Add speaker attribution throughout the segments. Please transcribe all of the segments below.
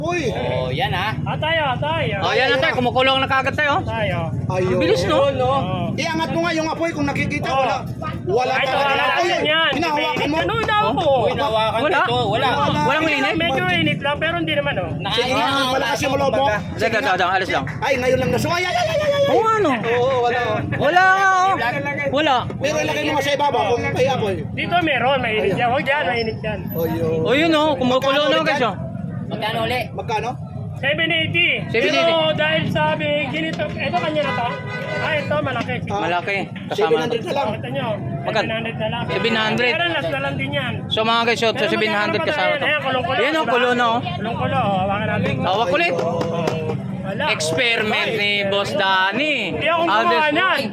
Speaker 1: Uy!
Speaker 2: Oh, yan ha.
Speaker 3: Tayo.
Speaker 2: Oh, yan na tayo. Kumukulong na kagad tayo.
Speaker 3: Tayo.
Speaker 1: Ayun.
Speaker 2: Bilis, no?
Speaker 1: Iangat mo nga yung apoy kung nakikita. Wala
Speaker 3: Ito,
Speaker 1: talaga.
Speaker 3: wala
Speaker 1: Ayun,
Speaker 3: yan yan.
Speaker 1: hinahawakan mo.
Speaker 3: Ano hinahawakan mo?
Speaker 2: Hinawakan
Speaker 1: Wala.
Speaker 2: ito. Wala.
Speaker 1: Walang
Speaker 2: init.
Speaker 3: Medyo init lang, pero hindi naman oh.
Speaker 1: Sige nga, malakas yung ulo mo.
Speaker 2: Sige, alis lang.
Speaker 1: Ay, ngayon lang naso. Ay.
Speaker 2: Oo, ano?
Speaker 1: Oo, wala.
Speaker 2: Wala nga, oh. Wala.
Speaker 1: Pero ilagay mo nga sa ibabaw kung may apoy.
Speaker 3: Dito meron, mainit yan. Huwag dyan, mainit yan.
Speaker 1: Ayun.
Speaker 2: Oh, yun, oh. Kumukulo na guys, oh.
Speaker 4: Magkano uli?
Speaker 1: Magkano?
Speaker 3: 780.
Speaker 2: 780.
Speaker 3: Pero dahil sabi, ginito, ito kanya na to. Ito, malaki.
Speaker 2: Malaki. Kasama na
Speaker 1: 700 na lang.
Speaker 3: Kita nyo,
Speaker 2: Magkano?
Speaker 3: 700 na lang.
Speaker 2: 700.
Speaker 3: Pero last na lang din yan.
Speaker 2: So mga guys, so 700 kasama to. Yan, oh, kulo na, oh.
Speaker 3: Kulong-kulo, hawakan natin.
Speaker 2: Hawak ulit.
Speaker 3: Wala.
Speaker 2: Experiment ni Boss Danny.
Speaker 3: Hindi ako gumawa niyan.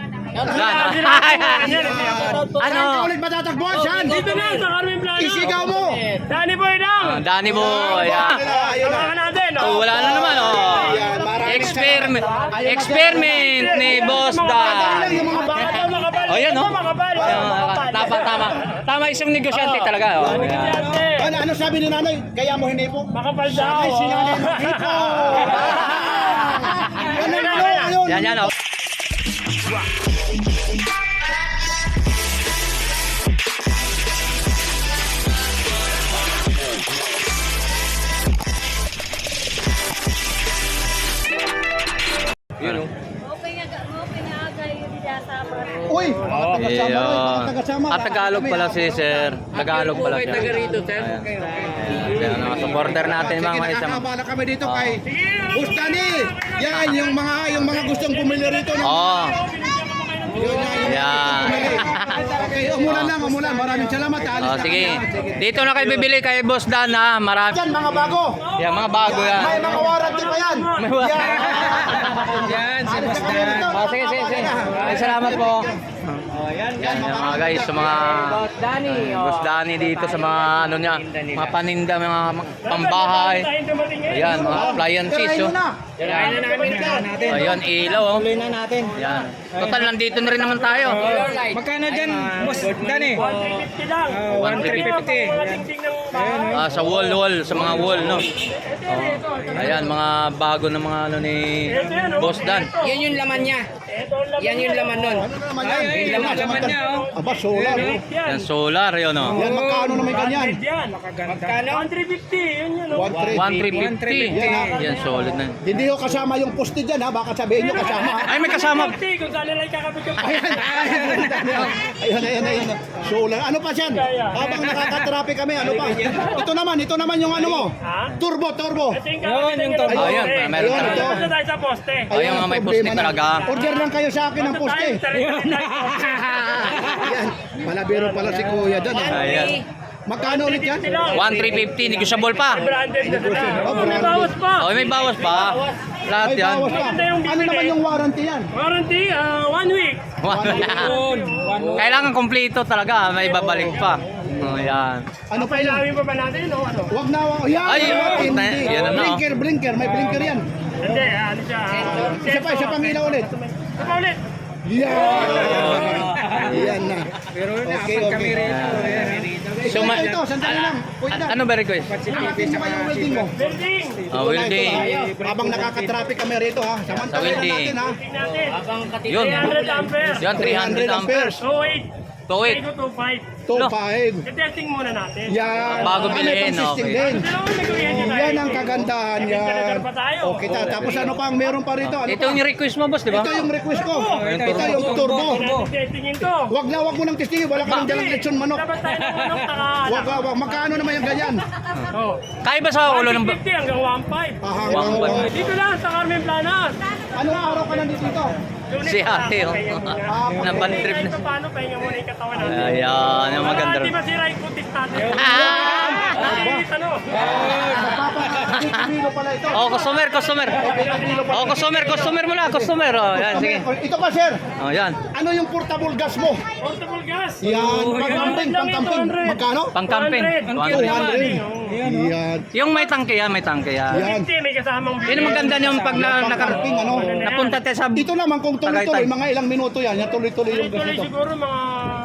Speaker 2: Ano?
Speaker 1: Ulit matatakbuhan siyan.
Speaker 3: Dito na, sa Carmen Plano.
Speaker 1: Isigaw mo.
Speaker 3: Danny Boy lang.
Speaker 2: Danny Boy. Yan.
Speaker 1: Ayun na.
Speaker 3: Hawakan natin.
Speaker 2: Oh, wala na naman, oh.
Speaker 1: Ayan, maraming
Speaker 2: Experiment ni Boss Dan.
Speaker 1: Yung mga bata.
Speaker 3: Ito makapal.
Speaker 2: Oh, yan,
Speaker 3: Ito
Speaker 2: oh.
Speaker 3: makapal.
Speaker 2: Tama isang negosyante talaga, oh.
Speaker 1: Ano sabi ni nanay? Kaya mo hindi po?
Speaker 3: Makapal daw.
Speaker 1: Ay, si nanay nakito. Ayun.
Speaker 2: Yan, oh.
Speaker 5: Okay nga agay yung sa
Speaker 1: Uy, mga tagasama.
Speaker 2: Ayun.
Speaker 1: Mga tagasama.
Speaker 2: At Tagalog pala si Sir. Tagalog pala siya.
Speaker 4: Taga rito, sir.
Speaker 2: Yan, mga supporter natin mga
Speaker 1: Sige,
Speaker 2: isang.
Speaker 1: nakakabala kami dito kay Bustani. Yan, yung mga gustong bumili rito.
Speaker 2: Oh.
Speaker 1: Yun na, yung
Speaker 2: Yan.
Speaker 1: bumili. Okay, umulan. Maraming salamat. Alis
Speaker 2: Oh,
Speaker 1: na
Speaker 2: sige.
Speaker 1: kami, ha.
Speaker 2: Dito na kayo bibili kay Boss Dan, ha. Marami.
Speaker 1: Yan, mga bago.
Speaker 2: Yan, mga bago yan.
Speaker 1: May mga warranty pa yan.
Speaker 4: Yan, si Boss
Speaker 1: Dan.
Speaker 2: Oh, sige. Ay, salamat po. Yan, mga guys, sa mga Boss Danny dito sa mga ano niya, mga paninda, mga pambahay. Ayan, mga appliances, oh.
Speaker 4: Kailangan na namin natin.
Speaker 2: Ayan, ilaw, oh.
Speaker 4: Tuloy na natin.
Speaker 2: Yan. Total, nandito na rin naman tayo.
Speaker 4: Magkano dyan, Boss Dani?
Speaker 3: 150 lang.
Speaker 4: 150.
Speaker 2: Sa wall, sa mga wall, no? Oh. Ayan, mga bago na mga ano ni Boss Dan.
Speaker 4: Yan yung laman niya. Yan yung laman nun.
Speaker 1: Ano naman yan?
Speaker 4: Yung laman niya, oh.
Speaker 1: Aba, solar. Oh.
Speaker 2: Yan, solar, yun, oh.
Speaker 1: Yan, magkano naman ganyan?
Speaker 4: Magkano?
Speaker 3: 150, yun yun. oh.
Speaker 2: 1,350. Yan, solid na.
Speaker 1: Hindi ko kasama yung poste dyan, ha? Baka sabihin nyo kasama.
Speaker 2: Ay, may kasama.
Speaker 3: 150, kung saan nila ikakabit yung
Speaker 1: Ayun. Solar. Ano pa siyan? Habang nakaka-traffic kami, ano pa? Ito naman yung ano mo.
Speaker 3: Ha?
Speaker 1: Turbo.
Speaker 3: Ito yung kakabit
Speaker 4: yung
Speaker 3: ng
Speaker 4: turbo.
Speaker 2: Ayun, meron
Speaker 1: Ayun,
Speaker 2: talaga.
Speaker 1: ito.
Speaker 3: Punta tayo sa poste.
Speaker 2: Ayun, mga may poste
Speaker 1: problema na.
Speaker 2: talaga.
Speaker 1: Order lang kayo sa akin ng poste. Yan. Palabiro pala si Kuya dyan. Ha?
Speaker 2: Ayan.
Speaker 1: Magkano ulit yan?
Speaker 2: 1,350, negosyable pa.
Speaker 3: Branded na sila.
Speaker 1: Oh,
Speaker 3: Oh, may
Speaker 1: branded.
Speaker 3: bawas pa.
Speaker 2: Oh, may bawas pa. Lahat
Speaker 1: May
Speaker 2: yan.
Speaker 1: bawas pa.
Speaker 3: Maganda yung
Speaker 1: Ano
Speaker 3: bibili.
Speaker 1: naman yung warranty yan?
Speaker 3: Warranty, 1 week.
Speaker 2: Kailangan kompleto talaga, may babalik pa. Oh, yan.
Speaker 1: Ano pa yan?
Speaker 3: Pailawin pa ba natin o ano?
Speaker 1: Wag na. Yan.
Speaker 2: Ay,
Speaker 1: hindi.
Speaker 2: yan na, no?
Speaker 1: Blinker. May blinker yan.
Speaker 3: Hindi, ano siya.
Speaker 1: Isa pang ilaw ulit.
Speaker 3: Isa pa ulit.
Speaker 1: Yan na.
Speaker 4: Pero
Speaker 1: Okay.
Speaker 2: So,
Speaker 1: Ito, sandali lang. Kuya,
Speaker 2: ano ba request?
Speaker 1: nakatin mo ba yung welding mo?
Speaker 3: Building.
Speaker 2: Oh, welding.
Speaker 1: Habang nakaka-traffic kami rito, ha.
Speaker 2: Sa
Speaker 1: Samantala
Speaker 2: welding.
Speaker 1: natin, ha.
Speaker 3: Tingnan natin.
Speaker 2: Yun.
Speaker 3: 300 ampere.
Speaker 2: Yan, 300 amperes.
Speaker 3: 28.
Speaker 2: Tuwid.
Speaker 3: Ito 25.
Speaker 1: 2.5.
Speaker 3: I-testing muna natin.
Speaker 1: Yan.
Speaker 2: Bago
Speaker 1: May
Speaker 2: bilhin,
Speaker 1: pang-system
Speaker 2: okay.
Speaker 1: din.
Speaker 3: Pero may gawin niya tayo.
Speaker 1: Yan ang kagandahan yan.
Speaker 3: Nagdadagdag pa tayo.
Speaker 1: Okay, tapos ano pang meron pa rito? Ano
Speaker 2: Ito
Speaker 1: pa?
Speaker 2: yung request mo, boss, di ba?
Speaker 1: Ito yung request ko. Ito yung turbo.
Speaker 3: Testingin to.
Speaker 1: Wag mo nang testingin. Wala ka nang dalang lechon manok.
Speaker 3: Dapat tayo ng manok,
Speaker 1: Wag. Magkano naman yung ganyan?
Speaker 3: Oh.
Speaker 2: Kaya ba sa ulo ng...
Speaker 3: 150 hanggang 1.5.
Speaker 1: Hanggang
Speaker 3: Dito lang sa Carmen Planas.
Speaker 1: Anong araw ka nandito dito?
Speaker 2: Si ate, oh. Naban trip na.
Speaker 3: Paano pahinga muna yung katawan natin?
Speaker 2: Ayan, yung maganda.
Speaker 3: Di ba sira yung kutis natin? Ano?
Speaker 1: Kilo pala ito.
Speaker 2: Oh, customer. Oh, customer mo na, customer. Oh, yan, sige.
Speaker 1: Ito pa, sir.
Speaker 2: Oh, yan.
Speaker 1: Ano yung portable gas mo?
Speaker 3: Portable gas.
Speaker 1: Yan, pang-camping. Magkano?
Speaker 2: Pang-camping.
Speaker 3: 200.
Speaker 2: 200.
Speaker 1: Yan.
Speaker 2: Yung may tangke yan.
Speaker 1: Yan.
Speaker 3: 50 may kasamang
Speaker 2: Yun ang maganda yung pag
Speaker 1: Pang-camping, ano?
Speaker 2: napunta tayo sa...
Speaker 1: Ito naman kung tuloy-tuloy, mga ilang minuto yan. Yan tuloy-tuloy yung gas
Speaker 3: Tuloy
Speaker 1: ito.
Speaker 3: siguro mga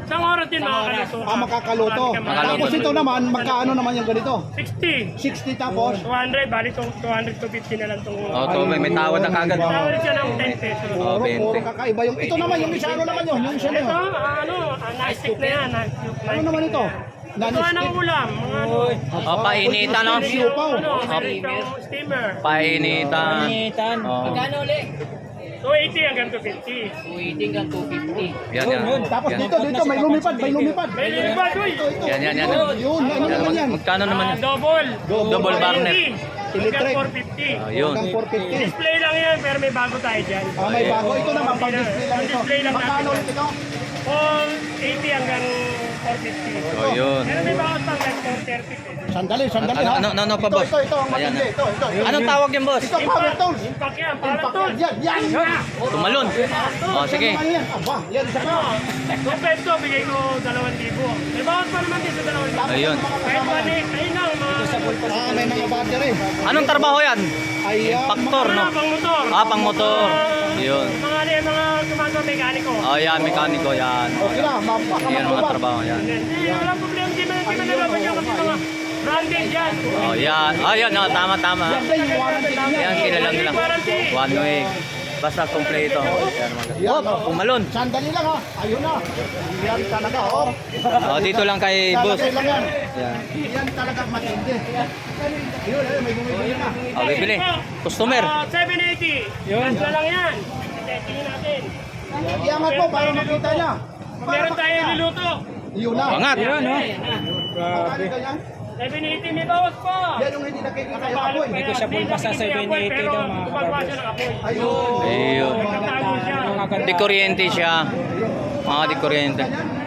Speaker 3: Isang oras din makakaluto.
Speaker 1: Makakaluto.
Speaker 2: Makakaluto.
Speaker 1: Tapos ito naman, magkaano naman yung ganito?
Speaker 3: 60.
Speaker 1: 60 tapos?
Speaker 3: 200, bali 200 to 50 na lang itong...
Speaker 2: Oh, to, may tawad na kagad.
Speaker 3: Tawad siya ng 10 pesos.
Speaker 2: Oh,
Speaker 1: Puro
Speaker 2: 20.
Speaker 1: kakaiba yung... Ito naman, yung isa, ano naman yun? Yung isa na
Speaker 3: Ito,
Speaker 1: yun.
Speaker 3: nightstick na yan.
Speaker 1: Ano naman ito?
Speaker 3: Ito ng ulam, mga ano.
Speaker 2: Oh, painitan, no?
Speaker 1: Siupaw.
Speaker 3: Meron itong steamer.
Speaker 2: Painitan. Oh.
Speaker 4: Magkano ulit?
Speaker 3: 280 hanggang 250.
Speaker 4: 280 hanggang 250.
Speaker 2: Yan, yan.
Speaker 1: Tapos
Speaker 2: Yan.
Speaker 1: dito, may lumipad, may lumipad.
Speaker 3: May lilibad, uy!
Speaker 2: Yan, yan, yan.
Speaker 1: Yun, ano naman yan?
Speaker 2: Magkano naman yan?
Speaker 3: Double.
Speaker 2: Double burner.
Speaker 1: Electric.
Speaker 3: Hanggang 450.
Speaker 2: Oh, yun.
Speaker 1: Hanggang 450.
Speaker 3: Display lang yan, pero may bago tayo dyan.
Speaker 1: May bago. Ito naman, pang-display lang ito.
Speaker 3: Display lang natin.
Speaker 1: Magkano ulit ito?
Speaker 3: All 80 hanggang 450.
Speaker 2: Oh, yun.
Speaker 3: Pero may bago pang like 430.
Speaker 1: Sandali
Speaker 2: Ano,
Speaker 1: ha.
Speaker 2: ano pa, boss?
Speaker 1: Ito, ang
Speaker 2: Ayan,
Speaker 1: matindi. Ito.
Speaker 2: Anong tawag yan, boss?
Speaker 1: Ito, power tools.
Speaker 3: Impact yan, para tol.
Speaker 1: Yan.
Speaker 2: Tumalon. Oh, sige.
Speaker 1: Ano yan? Aba, yan isa pa.
Speaker 3: Kung peso, bigay ko 2,000. May bawas pa naman din sa 2,000.
Speaker 2: Ayun.
Speaker 3: Kahit mali, ayun lang, mga...
Speaker 1: May mga battery.
Speaker 2: Anong trabaho yan?
Speaker 1: Ay,
Speaker 2: Factor, no?
Speaker 3: Pang motor.
Speaker 2: Pang motor. Yun.
Speaker 3: Mga ano yan, mga gumagawa mekaniko.
Speaker 2: Oh, yan, mekaniko, yan. Oh,
Speaker 1: okay
Speaker 2: yan.
Speaker 1: na,
Speaker 2: Yan mga trabaho, yan.
Speaker 3: Hindi, walang problema. Hindi man nalaban yan kasi mga branded yan.
Speaker 2: Oh, yan. Oh, yan, oh, tama.
Speaker 1: Yan din, yung warranty niya.
Speaker 2: Yan, kilala nila. 1 week. Basta kompleto. Yan, mga. Oh, umalon.
Speaker 1: Sandali lang ha. Ayun na. Yan talaga, oh.
Speaker 2: Oh, dito lang kay boss.
Speaker 1: Lalagay lang yan.
Speaker 2: Yan.
Speaker 1: Yan talaga matindi. Ayun, may bumibili na.
Speaker 2: Oh, bibili. Customer.
Speaker 3: 780. Yun. Ganda lang yan. Tingin natin.
Speaker 1: Iangat mo para makita niya.
Speaker 3: Meron tayo niluto.
Speaker 1: Yun na.
Speaker 2: Angat.
Speaker 1: Magkano ka yan?
Speaker 3: 780 may bawas pa.
Speaker 1: Yan yung hindi nakikita yung apoy.
Speaker 3: Hindi ko siya pulpa sa 780 daw mga kapatid.
Speaker 1: Ayun.
Speaker 2: Ayun.
Speaker 3: Nagtatago siya.
Speaker 2: Di kuryente siya. Mga di kuryente.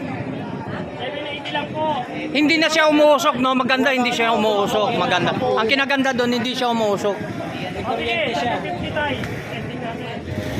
Speaker 3: 780 lang po.
Speaker 2: Hindi na siya umuusok, no? Maganda, hindi siya umuusok. Maganda. Ang kinaganda doon, hindi siya umuusok.
Speaker 3: Kuryente siya. 50 tayo. Testing natin.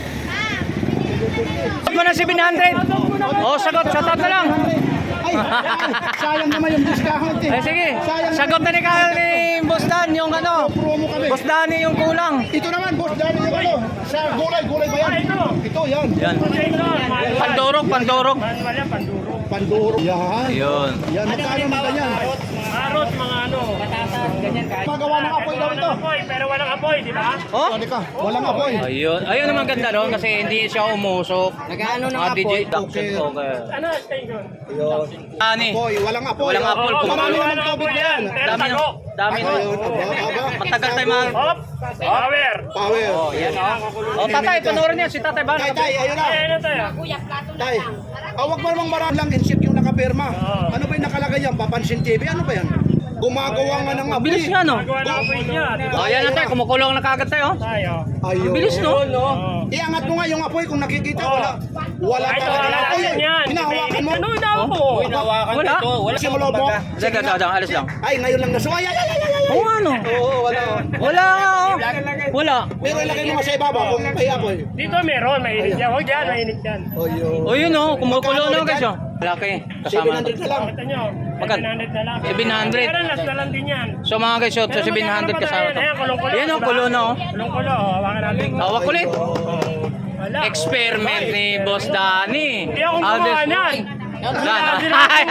Speaker 2: Sagot mo na 700. Oh, sagot. Sagot na lang.
Speaker 1: Ay, sayang naman yung discount eh.
Speaker 2: Eh, sige.
Speaker 1: Sayang
Speaker 2: Sagot na ni Boss Dan yung ano.
Speaker 1: promo kami.
Speaker 2: Boss Dani yung kulang.
Speaker 1: Ito naman, boss, dali yung ano. Sa gulay ba yan? Ito, yan.
Speaker 2: Yan.
Speaker 3: Jason,
Speaker 2: Pandurog.
Speaker 3: manual yan, panduro.
Speaker 1: Panduro. Yan.
Speaker 2: Yun.
Speaker 1: Yan, magkano naman ganyan?
Speaker 3: Karot, mga ano.
Speaker 4: Patatas, ganyan kahit.
Speaker 1: Magawa ng apoy daw ito.
Speaker 3: Walang apoy, pero walang apoy, di ba?
Speaker 2: Oh?
Speaker 1: Ano ka? Walang apoy.
Speaker 2: Ayun. Ayun naman ganda doon kasi hindi siya umusok.
Speaker 4: Nag-ano ng
Speaker 2: Mga DJ
Speaker 4: apoy?
Speaker 2: Duction okay.
Speaker 3: Ano, station?
Speaker 2: Ani.
Speaker 1: Apoy, walang apoy.
Speaker 2: Walang apoy.
Speaker 1: Marami naman
Speaker 3: Walang
Speaker 1: COVID
Speaker 3: apoy
Speaker 1: yan.
Speaker 3: Pero
Speaker 2: Dami
Speaker 3: tago.
Speaker 2: na. Dami na.
Speaker 1: Ayun, aba.
Speaker 2: Matagal tayo mga...
Speaker 3: Hop, power.
Speaker 1: Power.
Speaker 2: Oh, tatay, panoorin niya si Tatay Bana.
Speaker 1: Tay, ayun na.
Speaker 3: Ay, ano tayo?
Speaker 1: Tay. Wag mo namang marami lang insip yung nakapirma. Ano ba yung nakalagay yan? Papansin TV? Ano ba yan? Gumagawa nga ng apoy.
Speaker 2: Bilis nga, no?
Speaker 3: Magawa ng apoy niya, di ba?
Speaker 2: Oh, yan na tayo. Kumukulong na kagad tayo.
Speaker 3: Tayo.
Speaker 1: Ayun.
Speaker 2: Bilis, no?
Speaker 1: Iangat mo nga yung apoy kung nakikita. Wala
Speaker 3: Ay,
Speaker 1: talaga
Speaker 3: wala
Speaker 1: apoy.
Speaker 3: yan yan.
Speaker 1: Hinahawakan mo.
Speaker 3: Ano yung daw po?
Speaker 2: Wala.
Speaker 1: Simula mo.
Speaker 2: Dagang, alis lang.
Speaker 1: Ay, ngayon lang nasuwa. Ay.
Speaker 2: Oo, ano?
Speaker 1: Oo, wala.
Speaker 2: Wala nga, oh. Wala.
Speaker 1: Pero ilagay mo nga sa ibabaw kung may apoy.
Speaker 3: Dito meron, mainit yan. Huwag yan, mainit yan.
Speaker 1: Ayun.
Speaker 2: O yun, oh. Kumukulong na guys, oh. Laki. Kasama.
Speaker 1: 700 na lang.
Speaker 3: Kita nyo,
Speaker 2: Magkano?
Speaker 3: 700 na lang.
Speaker 2: 700.
Speaker 3: Pero last na lang din yan.
Speaker 2: So mga guys, so 700 kasama to.
Speaker 3: Ayan, kulong-kulo.
Speaker 2: Yan, oh. Kulo na, oh.
Speaker 3: Kulong-kulo, hawakan natin.
Speaker 2: Hawak ulit.
Speaker 3: Wala.
Speaker 2: Experiment ni Boss Dani.
Speaker 3: Hindi ako gumawa niyan.
Speaker 2: Ano?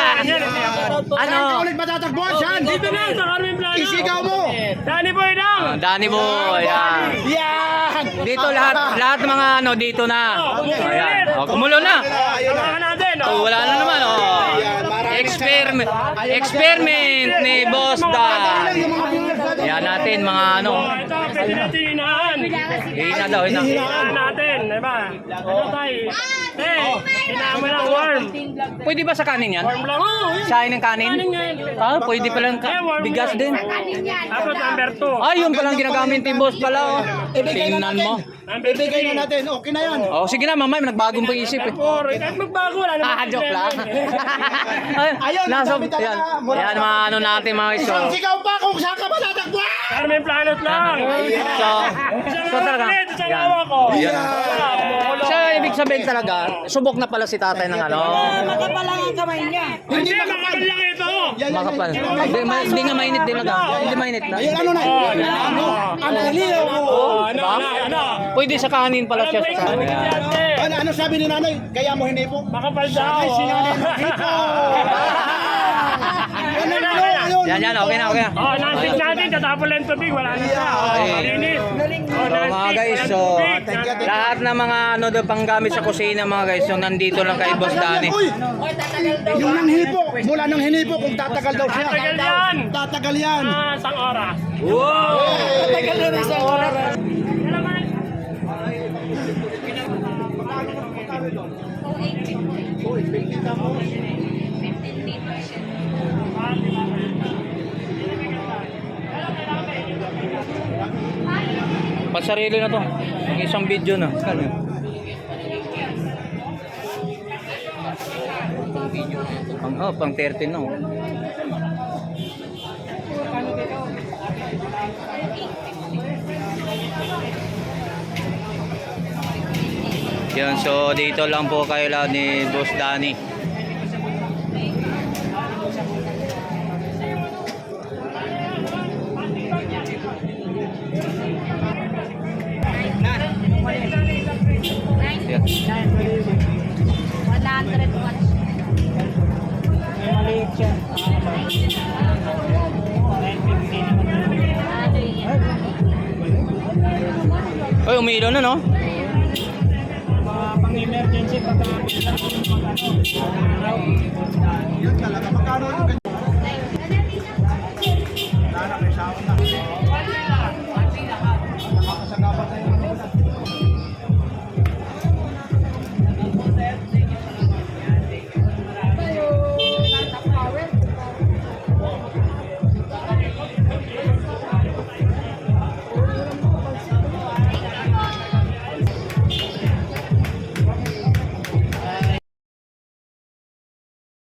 Speaker 1: Saan ka ulit matatagpuan? Saan?
Speaker 3: Dito lang sa Carmen Plano.
Speaker 1: Isigaw mo.
Speaker 3: Danny Boy lang.
Speaker 2: Dani Boy, yan.
Speaker 1: Yan.
Speaker 2: Dito lahat ng mga ano dito na. Ayan. Oh, kumulo na.
Speaker 1: Ayun na.
Speaker 3: Hawakan natin.
Speaker 2: Oh, wala na naman, oh.
Speaker 1: Yan, maraming
Speaker 2: Experiment ni Boss Dan.
Speaker 1: yung mga viewers natin.
Speaker 2: Yan natin mga ano.
Speaker 3: Ito, pwede natin hinaan.
Speaker 2: Hina daw, hina.
Speaker 3: Hinaan natin, diba? Ano tayo? Hinaan mo lang warm.
Speaker 2: Pwede ba sa kanin yan?
Speaker 3: Warm lang. Oo, yun.
Speaker 2: Sain ng kanin?
Speaker 3: Kanin nga yun.
Speaker 2: Ah, pwede palang bigas din.
Speaker 3: Tapos number 2.
Speaker 2: Ah, yun palang ginagamit ni Boss pala, oh. Tingnan mo.
Speaker 3: Number
Speaker 1: Ibigay
Speaker 3: 3.
Speaker 1: na natin. Okay na yan.
Speaker 2: Oh, sige na, mamay, nagbagong pag-isip eh.
Speaker 3: Kahit magbago, wala naman.
Speaker 2: Ah, joke lang.
Speaker 1: Ayun,
Speaker 2: Nasa,
Speaker 1: ang dami talaga.
Speaker 2: yan, yan mga ano natin mga iso.
Speaker 1: Sigaw pa kung saan ka matatagpuan.
Speaker 3: Carmen Planet lang.
Speaker 2: So talaga.
Speaker 3: Isang
Speaker 2: Yan.
Speaker 3: awa ko.
Speaker 2: Yan.
Speaker 3: Wala.
Speaker 2: So, ibig sabihin talaga, subok na pala si tatay ng ano.
Speaker 3: Hindi, makapal lang ito.
Speaker 2: Makapal. Hindi nga mainit din na. Hindi mainit na.
Speaker 1: Ayun, ano na? Ano? Ang aliw mo.
Speaker 3: Ano?
Speaker 2: Pwede sa kanin pala siya. Sa kanin.
Speaker 1: Ano sabi ni nanay? Kaya mo hinipo?
Speaker 3: Makapal daw.
Speaker 1: Ay, si nanay hipo. Ganun yun, ayun.
Speaker 2: Yan, okay na, okay na.
Speaker 3: Oh, nansik natin, tatapon lang tubig, wala na siya. Oh, malinis. Oh,
Speaker 2: So mga guys, so lahat ng mga ano daw panggamit sa kusina mga guys, so nandito lang kay Boss Danny.
Speaker 1: Uy, yung nang hipo, mula nang hinipo, kung tatagal daw siya.
Speaker 3: Tatagal yan.
Speaker 1: Tatagal yan.
Speaker 3: Isang oras.
Speaker 2: Wow!
Speaker 1: Tatagal na isang oras.
Speaker 2: Pasarili na to. Ang isang video na. Pang 13 na. Yan, so dito lang po kayo lang ni Boss Danny. Yan.
Speaker 5: 100.
Speaker 2: Ay, umiilaw na no?
Speaker 3: Pang-emergency pagka